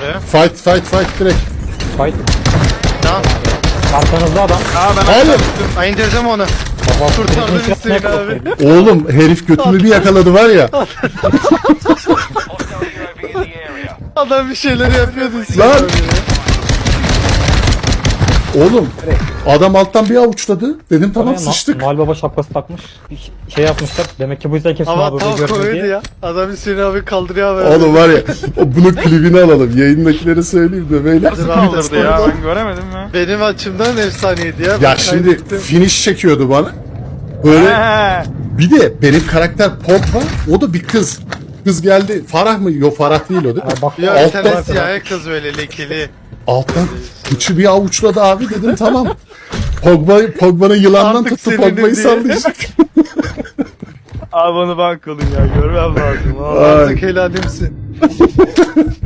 oraya. Fight direkt. Fight. Tamam. Arkanızda adam. Ben Hayır. Ay indireceğim onu. Baba Kurtardı birinci Hüseyin yapmak abi. yok. Oğlum herif götümü bir yakaladı var ya. Adam bir şeyler yapıyordu Hüseyin Lan. abi ya. Oğlum adam alttan bir avuçladı. Dedim tamam Oraya sıçtık. Noel Baba şapkası takmış. Şey yapmışlar. Demek ki bu yüzden kesin Ama abi tam burada görmedi komedi diye. ya. Adam Hüseyin abi kaldırıyor abi. Oğlum var ya bunun klibini alalım. Yayındakilere söyleyeyim de böyle. Nasıl Kaldırdı ya, ben göremedim ya. Benim açımdan efsaneydi ya. Ya Ben şimdi kaydettim. finish çekiyordu bana. Böyle He. bir de benim karakter Pogba, o da bir kız. Kız geldi. Farah mı? Yok Farah değil o değil mi? Ya bak Ya bir tane Alttan, siyahi kız böyle lekeli. alttan kıçı bir avuçladı abi dedim tamam. Pogba'nın yılandan Artık tuttu seninim Pogba'yı diye. sallayacak. Abi onu ben kılın ya, görmem lazım. Ay. Artık helalimsin.